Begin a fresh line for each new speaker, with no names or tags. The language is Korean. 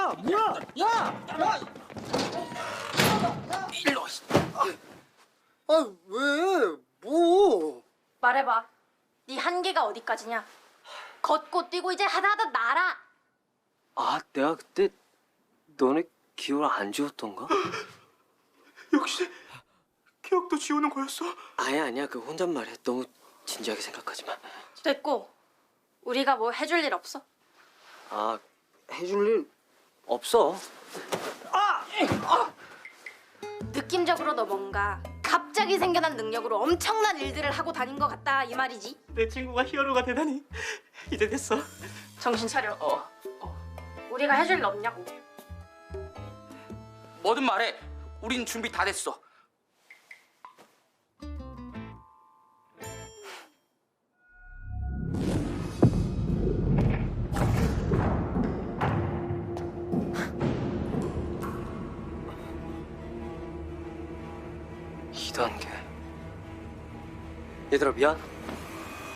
야, 뭐야?
일로 와.
아, 왜? 뭐?
말해봐. 네 한계가 어디까지냐? 걷고 뛰고 이제 하다 날아.
아, 내가 그때 너네 기억을 안 지웠던가?
역시 기억도 지우는 거였어?
아니야. 그 혼잣말이야. 너무 진지하게 생각하지 마.
됐고 우리가 뭐 해줄 일 없어?
아, 해줄 일 없어.
느낌적으로 너 뭔가 갑자기 생겨난 능력으로 엄청난 일들을 하고 다닌 것 같다 이 말이지.
내 친구가 히어로가 되다니. 이제 됐어.
정신 차려. 우리가 해줄 일 없냐고.
뭐든 말해. 우린 준비 다 됐어.
이단계. 얘들아, 미안.